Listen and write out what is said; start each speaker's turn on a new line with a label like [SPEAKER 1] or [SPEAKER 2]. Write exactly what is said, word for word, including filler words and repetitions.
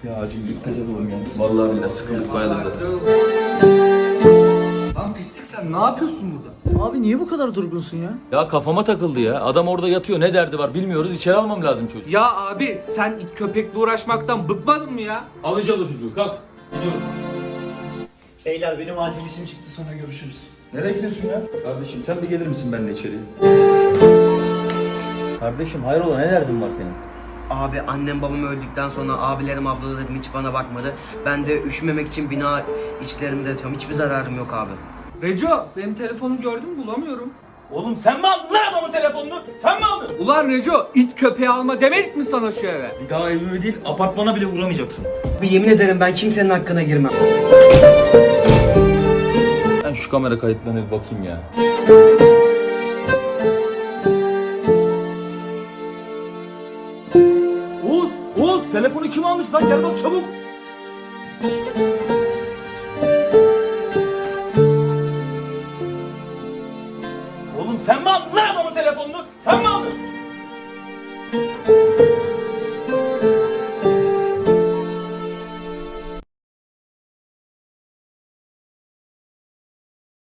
[SPEAKER 1] Ya acil bir pes edelim ya. Vallahi billahi sıkıldık bayağı da zaten.
[SPEAKER 2] Lan pislik sen ne yapıyorsun burada?
[SPEAKER 3] Abi niye bu kadar durgunsun ya?
[SPEAKER 1] Ya kafama takıldı ya. Adam orada yatıyor, ne derdi var bilmiyoruz. İçeri almam lazım çocuğu.
[SPEAKER 2] Ya abi sen it köpekle uğraşmaktan bıkmadın mı ya?
[SPEAKER 1] Alacağız o çocuğu, kalk. Gidiyoruz.
[SPEAKER 3] Beyler benim acil işim çıktı, sonra görüşürüz.
[SPEAKER 1] Nereye gidiyorsun ya? Kardeşim sen bir gelir misin benimle içeri? Kardeşim hayrola, ne derdin var senin?
[SPEAKER 4] Abi annem babam öldükten sonra abilerim ablalarım hiç bana bakmadı. Ben de üşümemek için bina içlerinde yatıyorum. Hiçbir zararım yok abi.
[SPEAKER 2] Reco benim telefonu gördün mü bulamıyorum.
[SPEAKER 1] Oğlum sen mi aldın lan adamın telefonunu? Sen mi aldın?
[SPEAKER 2] Ulan Reco it köpeği alma demedik mi sana şu eve?
[SPEAKER 1] Bir daha evime değil, apartmana bile uğramayacaksın.
[SPEAKER 4] Bir yemin ederim ben kimsenin hakkına girmem.
[SPEAKER 1] Ben şu kamera kayıtlarına bir bakayım ya. Oğuz! Oğuz! Telefonu kim almış lan? Gel bak çabuk! Oğlum sen mi aldın lan?